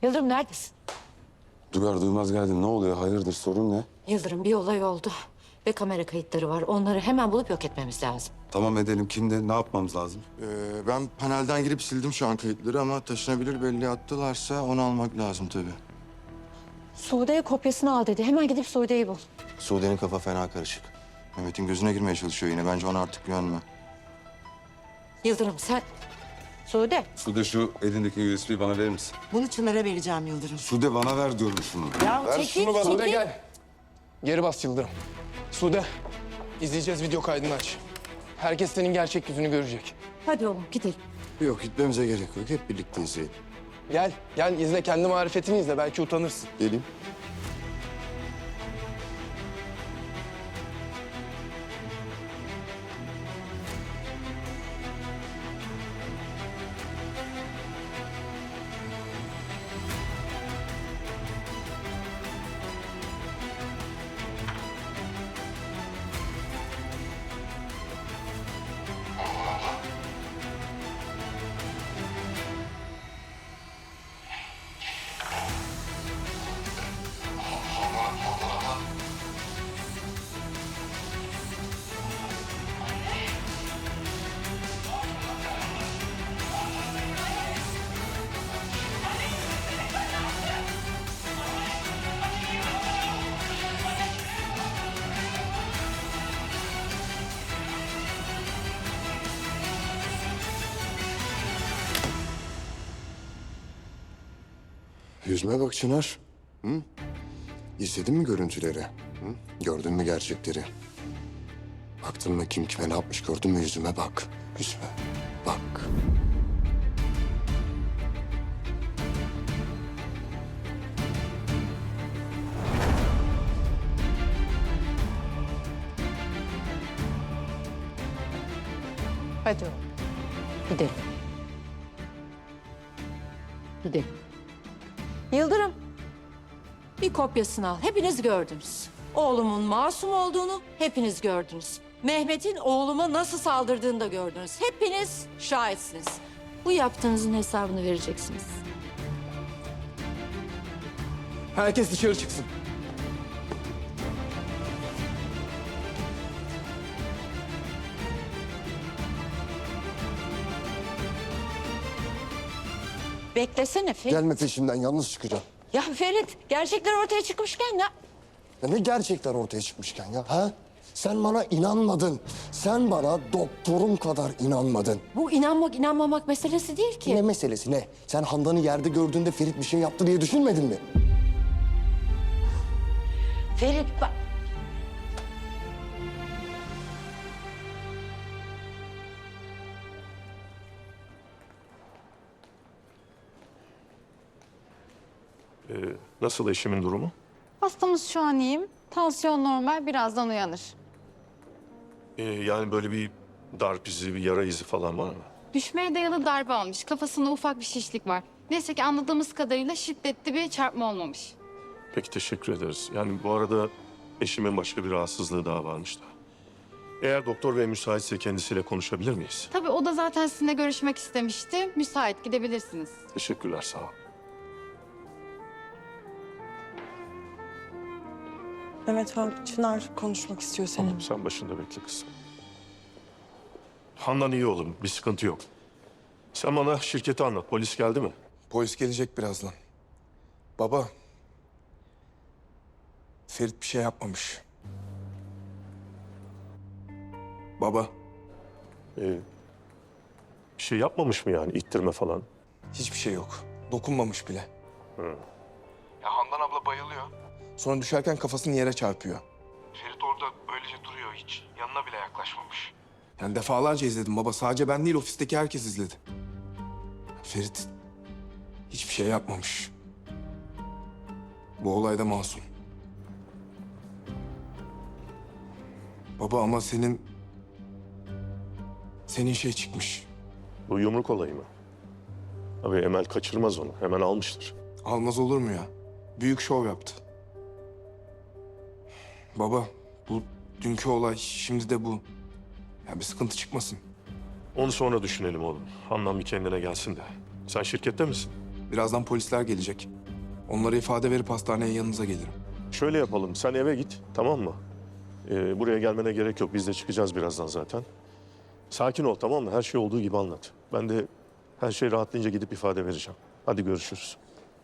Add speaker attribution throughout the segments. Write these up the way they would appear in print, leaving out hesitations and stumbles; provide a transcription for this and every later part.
Speaker 1: Yıldırım neredesin?
Speaker 2: Duyar duymaz geldin. Ne oluyor? Hayırdır? Sorun ne?
Speaker 1: Yıldırım bir olay oldu. Ve kamera kayıtları var. Onları hemen bulup yok etmemiz lazım.
Speaker 2: Tamam edelim. Kimde? Ne yapmamız lazım?
Speaker 3: Ben panelden girip sildim şu an kayıtları ama taşınabilir belli attılarsa onu almak lazım tabii.
Speaker 1: Sude'ye kopyasını al dedi. Hemen gidip Sude'yi bul.
Speaker 3: Sude'nin kafa fena karışık. Mehmet'in gözüne girmeye çalışıyor yine. Bence ona artık güvenme.
Speaker 1: Yıldırım sen... Sude.
Speaker 2: Sude şu elindeki USB'yi bana verir misin?
Speaker 4: Bunu Çınar'a vereceğim Yıldırım.
Speaker 2: Sude bana ver diyorum şunu.
Speaker 4: Ya
Speaker 2: Ver
Speaker 4: çekil,
Speaker 2: şunu bana.
Speaker 4: çekil.
Speaker 5: Sude gel. Geri bas Yıldırım. Sude, izleyeceğiz video kaydını aç. Herkes senin gerçek yüzünü görecek.
Speaker 1: Hadi oğlum gidelim.
Speaker 3: Yok gitmemize gerek yok. Hep birlikte izleyelim.
Speaker 5: Gel izle. Kendi marifetini izle. Belki utanırsın.
Speaker 3: Geleyim. Yüzüme bak Çınar. Hı? İzledin mi görüntüleri? Hı? Gördün mü gerçekleri? Baktın mı kim kime ne yapmış gördün mü yüzüme bak. Yüzüme bak.
Speaker 1: Hadi oğlum. Gidelim. Gidelim. Yıldırım. Bir kopyasını al. Hepiniz gördünüz. Oğlumun masum olduğunu hepiniz gördünüz. Mehmet'in oğluma nasıl saldırdığını da gördünüz. Hepiniz şahitsiniz. Bu yaptığınızın hesabını vereceksiniz.
Speaker 5: Herkes dışarı çıksın.
Speaker 1: Beklesene Ferit.
Speaker 3: Gelme peşimden yalnız çıkacağım.
Speaker 1: Ya Ferit, gerçekler ortaya çıkmışken ya.
Speaker 3: Ya ne gerçekler ortaya çıkmışken ya ha? Sen bana inanmadın. Sen bana doktorum kadar inanmadın.
Speaker 1: Bu inanmak inanmamak meselesi değil ki.
Speaker 3: Ne meselesi ne? Sen Handan'ı yerde gördüğünde Ferit bir şey yaptı diye düşünmedin mi?
Speaker 1: Ferit bak.
Speaker 6: Nasıl eşimin durumu?
Speaker 7: Hastamız şu an iyiyim. Tansiyon normal, birazdan uyanır.
Speaker 6: Yani böyle bir darp izi, bir yara izi falan var mı?
Speaker 7: Düşmeye dayalı darbe almış. Kafasında ufak bir şişlik var. Neyse ki anladığımız kadarıyla şiddetli bir çarpma olmamış.
Speaker 6: Peki teşekkür ederiz. Yani bu arada eşimin başka bir rahatsızlığı daha varmış da. Eğer doktor bey müsaitse kendisiyle konuşabilir miyiz?
Speaker 7: Tabii o da zaten sizinle görüşmek istemişti. Müsait, gidebilirsiniz.
Speaker 6: Teşekkürler, sağ ol.
Speaker 4: Evet abi, Çınar konuşmak istiyor seninle.
Speaker 6: Tamam, sen başında bekle kızım. Handan iyi oğlum, bir sıkıntı yok. Sen bana şirketi anlat, polis geldi mi?
Speaker 5: Polis gelecek birazdan. Baba. Ferit bir şey yapmamış. Baba.
Speaker 6: Bir şey yapmamış mı yani, ittirme falan?
Speaker 5: Hiçbir şey yok. Dokunmamış bile. Ya Handan abla bayılıyor. Sonra düşerken kafasını yere çarpıyor. Ferit orada öylece duruyor hiç. Yanına bile yaklaşmamış. Yani defalarca izledim baba. Sadece ben değil ofisteki herkes izledi. Ferit hiçbir şey yapmamış. Bu olayda masum. Baba ama senin şey çıkmış.
Speaker 6: Bu yumruk olayı mı? Abi Emel kaçırmaz onu, hemen almıştır.
Speaker 5: Almaz olur mu ya? Büyük şov yaptı. Baba, bu dünkü olay, şimdi de bu. Ya bir sıkıntı çıkmasın.
Speaker 6: Onu sonra düşünelim oğlum. Handan bir kendine gelsin de. Sen şirkette misin?
Speaker 5: Birazdan polisler gelecek. Onlara ifade verip hastaneye yanınıza gelirim.
Speaker 6: Şöyle yapalım, sen eve git, tamam mı? Buraya gelmene gerek yok, biz de çıkacağız birazdan zaten. Sakin ol, tamam mı? Her şey olduğu gibi anlat. Ben de her şey rahatlayınca gidip ifade vereceğim. Hadi görüşürüz.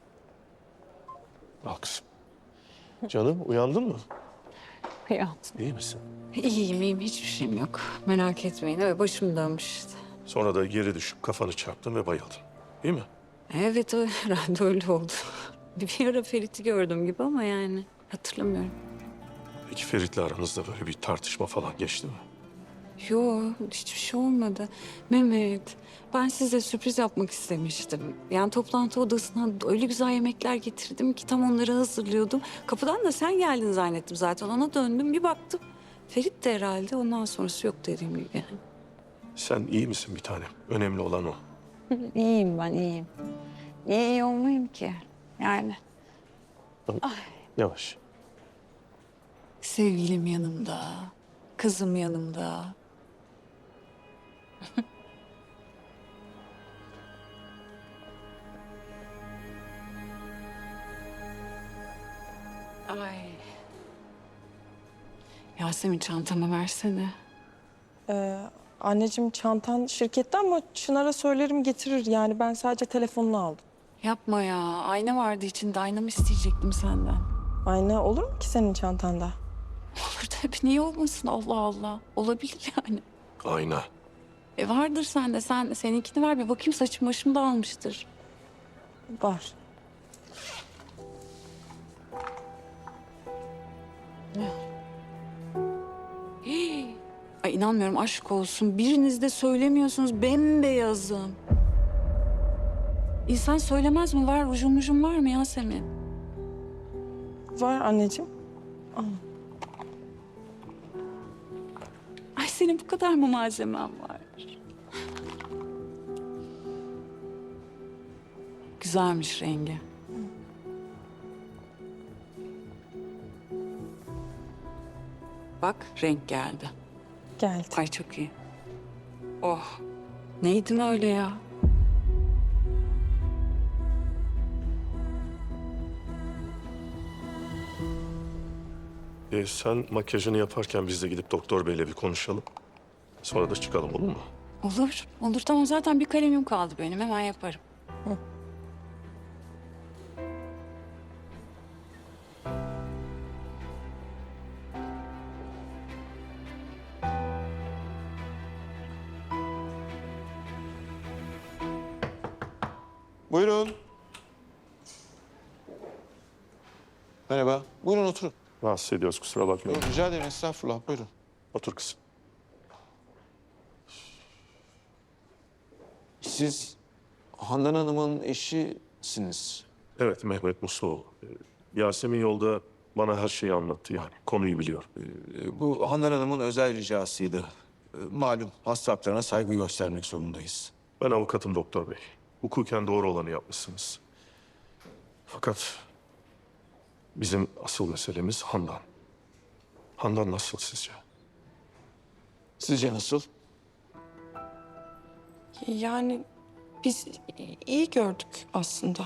Speaker 6: Bak kızım. Canım, uyandın mı?
Speaker 8: Ya
Speaker 6: İyi misin?
Speaker 8: iyiyim hiçbir şeyim yok. Merak etmeyin öyle başım dönmüş işte.
Speaker 6: Sonra da geri düşüp kafanı çarptın ve bayıldın. Değil mi?
Speaker 8: Evet herhalde öyle oldu. Bir ara Ferit'i gördüm gibi ama yani hatırlamıyorum.
Speaker 6: Peki Ferit'le aranızda böyle bir tartışma falan geçti mi?
Speaker 8: Yok hiçbir şey olmadı. Mehmet ben size sürpriz yapmak istemiştim. Yani toplantı odasına öyle güzel yemekler getirdim ki tam onları hazırlıyordum. Kapıdan da sen geldin zannettim zaten. Ona döndüm bir baktım. Ferit de herhalde ondan sonrası yok dediğim gibi.
Speaker 6: Sen iyi misin bir tanem? Önemli olan o.
Speaker 8: İyiyim ben iyiyim. Niye iyi olmayayım ki? Yani
Speaker 6: Yavaş.
Speaker 8: sevgilim yanımda, kızım yanımda. Ay. Yasemin çantamı versene.
Speaker 4: Anneciğim çantan şirkette ama Çınar'a söylerim getirir. Yani ben sadece telefonunu aldım.
Speaker 8: Yapma ya. Ayna vardı içinde. Aynamı isteyecektim senden.
Speaker 4: Ayna olur mu ki senin çantanda?
Speaker 8: Olur tabii. Niye olmasın? Allah Allah. Olabilir yani.
Speaker 6: Ayna.
Speaker 8: Vardır sende. Seninkini ver bir bakayım. Saçım başım dağılmıştır.
Speaker 4: Var.
Speaker 8: Hii. Ay inanmıyorum aşk olsun. Biriniz de söylemiyorsunuz. Bembeyazım. İnsan söylemez mi? Var rujum var mı Yasemin?
Speaker 4: Var anneciğim.
Speaker 8: Ay senin bu kadar mı malzemen var? Güzelmiş rengi. Bak renk geldi.
Speaker 4: Geldi.
Speaker 8: Ay çok iyi. Oh. Neydin öyle ya?
Speaker 6: Sen makyajını yaparken biz de gidip doktor beyle bir konuşalım. Sonra da çıkalım, olur mu?
Speaker 8: Olur. Olur tamam zaten bir kalemim kaldı benim. Hemen yaparım.
Speaker 9: Buyurun. Merhaba. Buyurun oturun.
Speaker 6: Rahatsız ediyoruz, kusura bakmayın.
Speaker 9: Yok, rica ederim, estağfurullah. Buyurun.
Speaker 6: Otur kızım.
Speaker 9: Siz Handan Hanım'ın eşisiniz.
Speaker 6: Evet, Mehmet Musluoğlu. Yasemin yolda bana her şeyi anlattı yani. Konuyu biliyor.
Speaker 9: Bu Handan Hanım'ın özel ricasıydı. Malum hasta haklarına saygı göstermek zorundayız.
Speaker 6: Ben avukatım doktor bey. Hukuken doğru olanı yapmışsınız. Fakat bizim asıl meselemiz Handan. Handan nasıl sizce?
Speaker 9: Sizce nasıl?
Speaker 4: Yani biz iyi gördük aslında.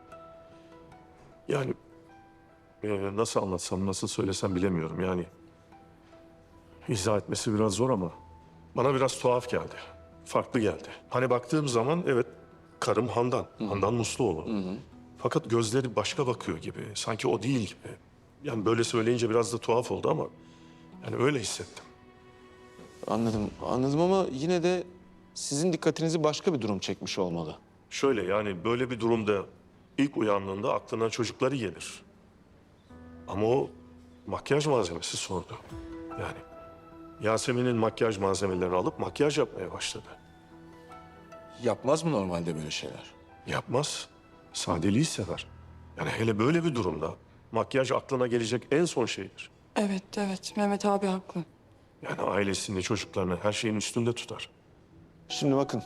Speaker 6: Yani nasıl anlatsam, nasıl söylesem bilemiyorum yani. İzah etmesi biraz zor ama bana biraz tuhaf geldi. Farklı geldi. Hani baktığım zaman evet karım Handan. Handan Musluoğlu. Fakat gözleri başka bakıyor gibi. Sanki o değil gibi. Yani böyle söyleyince biraz da tuhaf oldu ama yani öyle hissettim.
Speaker 9: Anladım ama yine de sizin dikkatinizi başka bir durum çekmiş olmalı.
Speaker 6: Şöyle yani böyle bir durumda ilk uyandığında aklına çocukları gelir. Ama o makyaj malzemesi sordu. Yani Yasemin'in makyaj malzemelerini alıp makyaj yapmaya başladı.
Speaker 9: Yapmaz mı normalde böyle şeyler?
Speaker 6: Yapmaz. Sadeliği sever. Yani hele böyle bir durumda makyaj aklına gelecek en son şeydir.
Speaker 4: Evet Mehmet abi haklı.
Speaker 6: Yani ailesini, çocuklarını her şeyin üstünde tutar.
Speaker 9: Şimdi bakın.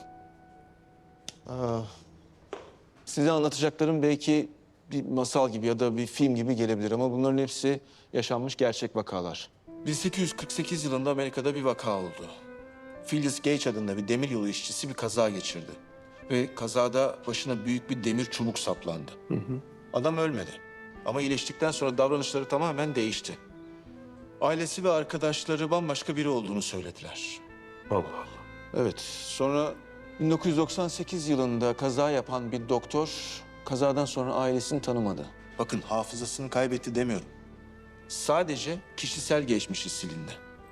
Speaker 9: Size anlatacaklarım belki bir masal gibi ya da bir film gibi gelebilir ama bunların hepsi yaşanmış gerçek vakalar. 1848 yılında Amerika'da bir vaka oldu. Phyllis Gage adında bir demiryolu işçisi bir kaza geçirdi. Ve kazada başına büyük bir demir çubuk saplandı. Adam ölmedi. Ama iyileştikten sonra davranışları tamamen değişti. Ailesi ve arkadaşları bambaşka biri olduğunu söylediler.
Speaker 6: Allah Allah.
Speaker 9: Evet, sonra 1998 yılında kaza yapan bir doktor kazadan sonra ailesini tanımadı. Bakın hafızasını kaybetti demiyorum. Sadece kişisel geçmişi silindi.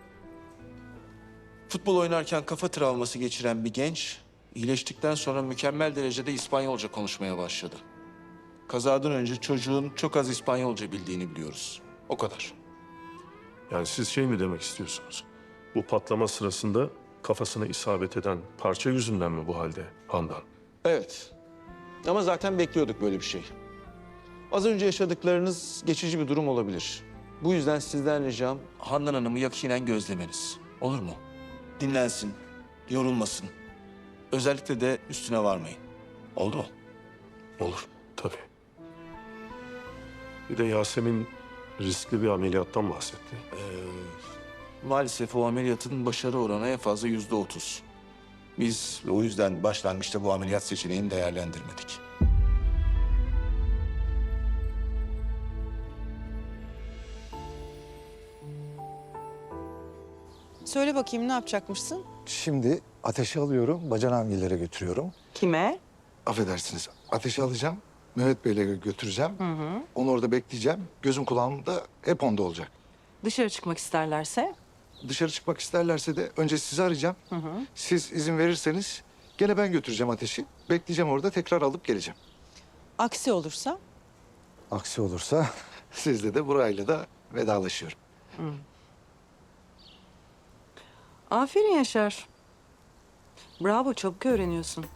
Speaker 9: Futbol oynarken kafa travması geçiren bir genç iyileştikten sonra mükemmel derecede İspanyolca konuşmaya başladı. Kazadan önce çocuğun çok az İspanyolca bildiğini biliyoruz. O kadar.
Speaker 6: Yani siz şey mi demek istiyorsunuz? Bu patlama sırasında kafasına isabet eden parça yüzünden mi bu halde Handan?
Speaker 9: Evet. Ama zaten bekliyorduk böyle bir şey. Az önce yaşadıklarınız geçici bir durum olabilir. Bu yüzden sizden ricam Handan Hanım'ı yakinen gözlemeniz. Olur mu? Dinlensin, yorulmasın. Özellikle de üstüne varmayın. Oldu mu?
Speaker 6: Olur, tabii. Bir de Yasemin riskli bir ameliyattan bahsetti.
Speaker 9: Maalesef o ameliyatın başarı oranı en fazla %30. Biz o yüzden başlangıçta bu ameliyat seçeneğini değerlendirmedik.
Speaker 10: Söyle bakayım ne yapacakmışsın?
Speaker 11: Şimdi ateşi alıyorum, bacanamgillere götürüyorum.
Speaker 10: Kime?
Speaker 11: Affedersiniz, ateşi alacağım, Mehmet Bey'le götüreceğim. Onu orada bekleyeceğim. Gözüm kulağım da hep onda olacak.
Speaker 10: Dışarı çıkmak isterlerse?
Speaker 11: Dışarı çıkmak isterlerse de önce sizi arayacağım. Siz izin verirseniz gene ben götüreceğim ateşi. Bekleyeceğim orada, tekrar alıp geleceğim.
Speaker 10: Aksi olursa?
Speaker 11: Aksi olursa sizle de burayla da vedalaşıyorum.
Speaker 10: Aferin Yaşar. Bravo, çabuk öğreniyorsun.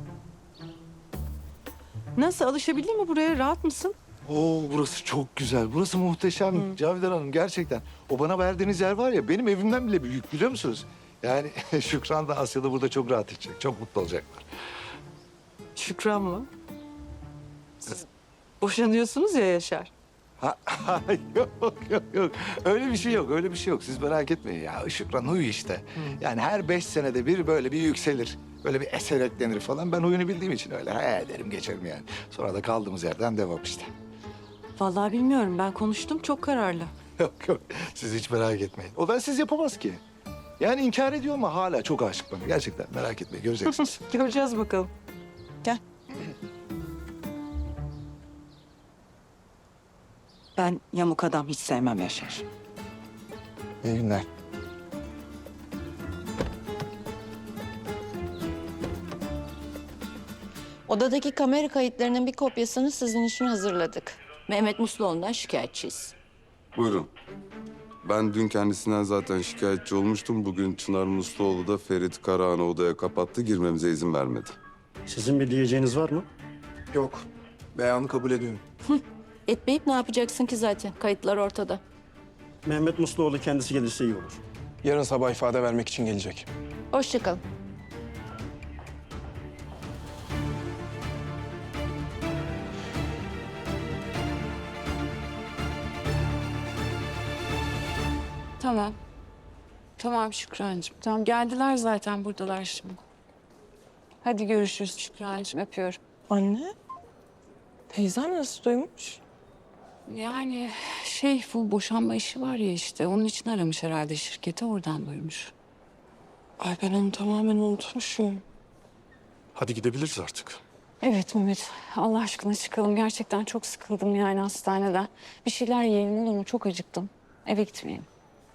Speaker 10: Nasıl, alışabildin mi buraya? Rahat mısın?
Speaker 11: Oo, burası çok güzel. Burası muhteşem Cavidan Hanım gerçekten. O bana verdiğiniz yer var ya benim evimden bile büyük biliyor musunuz? Yani Şükran da Asya da burada çok rahat edecek. Çok mutlu olacaklar.
Speaker 10: Şükran mı? Siz boşanıyorsunuz ya Yaşar.
Speaker 11: Ha, yok. Öyle bir şey yok, öyle bir şey yok. Siz merak etmeyin ya. Şükran huyu işte. Yani her 5 senede bir böyle bir yükselir. Böyle bir eser eklenir falan. Ben oyunu bildiğim için öyle ederim geçerim yani. Sonra da kaldığımız yerden devam işte.
Speaker 10: Vallahi bilmiyorum, ben konuştum, çok kararlı.
Speaker 11: Yok. Siz hiç merak etmeyin. O ben siz yapamaz ki. Yani inkar ediyor ama hala çok aşık bana. Gerçekten merak etmeyin, göreceksiniz.
Speaker 10: Göreceğiz bakalım. Gel. Ben yamuk adam hiç sevmem Yaşar.
Speaker 11: İyi günler.
Speaker 1: Odadaki kamera kayıtlarının bir kopyasını sizin için hazırladık. Mehmet Musluoğlu'ndan şikayetçiyiz.
Speaker 2: Buyurun. Ben dün kendisinden zaten şikayetçi olmuştum. Bugün Çınar Musluoğlu da Ferit Karahan'ı odaya kapattı. Girmemize izin vermedi.
Speaker 12: Sizin bir diyeceğiniz var mı?
Speaker 5: Yok. Beyanı kabul ediyorum.
Speaker 1: Etmeyip ne yapacaksın ki zaten? Kayıtlar ortada.
Speaker 12: Mehmet Musluoğlu kendisi gelirse iyi olur.
Speaker 5: Yarın sabah ifade vermek için gelecek.
Speaker 1: Hoşça kalın.
Speaker 8: Tamam. Tamam Şükrancığım. Tamam, geldiler zaten, buradalar şimdi. Hadi görüşürüz Şükrancığım, öpüyorum.
Speaker 4: Anne, teyzem nasıl duymuş?
Speaker 8: Yani bu boşanma işi var ya işte, onun için aramış herhalde şirketi, oradan duymuş.
Speaker 4: Ay ben onu tamamen unutmuşum.
Speaker 6: Hadi gidebiliriz artık.
Speaker 8: Evet Mehmet, Allah aşkına çıkalım. Gerçekten çok sıkıldım yani hastaneden. Bir şeyler yiyelim olur mu? Çok acıktım. Eve gitmeyelim.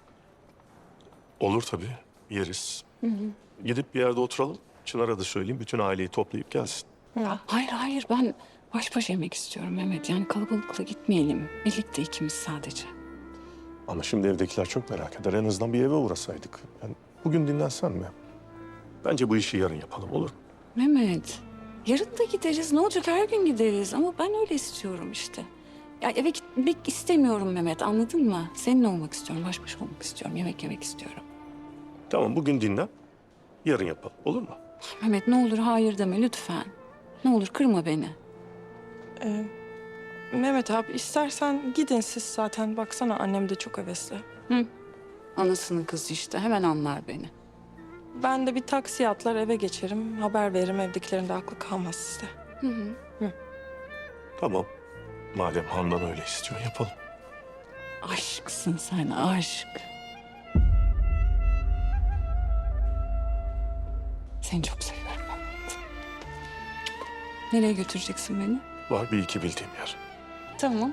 Speaker 6: Olur tabii, yeriz. Gidip bir yerde oturalım. Çınar'a da söyleyeyim, bütün aileyi toplayıp gelsin.
Speaker 8: Hayır, ben baş başa yemek istiyorum Mehmet. Yani kalabalıkla gitmeyelim. Birlikte ikimiz sadece.
Speaker 6: Ama şimdi evdekiler çok merak eder. En azından bir eve uğrasaydık. Yani bugün dinlensen mi? Bence bu işi yarın yapalım, olur mu?
Speaker 8: Mehmet, yarın da gideriz. Ne olacak, her gün gideriz. Ama ben öyle istiyorum işte. Ya eve gitmek istemiyorum Mehmet, anladın mı? Seninle olmak istiyorum, baş başa olmak istiyorum. Yemek yemek istiyorum.
Speaker 6: Tamam, bugün dinlen. Yarın yapalım, olur mu?
Speaker 8: Mehmet ne olur hayır deme lütfen. Ne olur kırma beni.
Speaker 4: Mehmet abi istersen gidin siz zaten. Baksana annem de çok hevesli.
Speaker 8: Anasının kızı işte, hemen anlar beni.
Speaker 4: Ben de bir taksiye atlar eve geçerim. Haber veririm, evdekilerin de aklı kalmaz sizde.
Speaker 6: Tamam. Madem Handan öyle istiyor yapalım.
Speaker 8: Aşksın sen, aşk. Seni çok seviyorum Mehmet. Nereye götüreceksin beni?
Speaker 6: Var bir iki bildiğim yer.
Speaker 8: Tamam.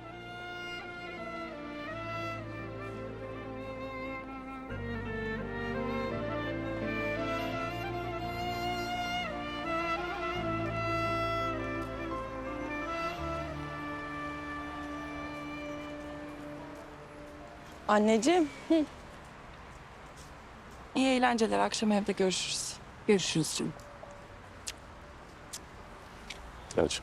Speaker 4: Anneciğim. İyi eğlenceler. Akşam evde görüşürüz.
Speaker 8: Görüşürüz canım.
Speaker 6: Gerçi.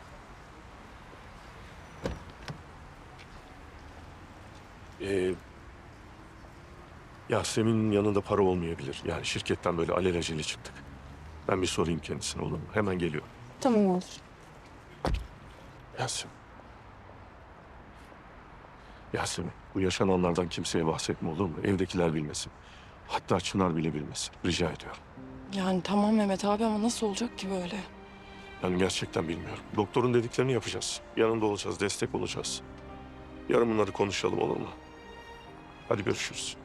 Speaker 6: Yasemin'in yanında para olmayabilir. Yani şirketten böyle alelacele çıktık. Ben bir sorayım kendisine olur mu? Hemen geliyorum.
Speaker 4: Tamam olur.
Speaker 6: Yasemin. Yasemin, bu yaşananlardan kimseye bahsetme olur mu? Evdekiler bilmesin. Hatta Çınar bile bilmesin. Rica ediyorum.
Speaker 4: Yani tamam Mehmet abi ama nasıl olacak ki böyle?
Speaker 6: Yani gerçekten bilmiyorum. Doktorun dediklerini yapacağız. Yanında olacağız, destek olacağız. Yarın bunları konuşalım olur mu? Hadi görüşürüz.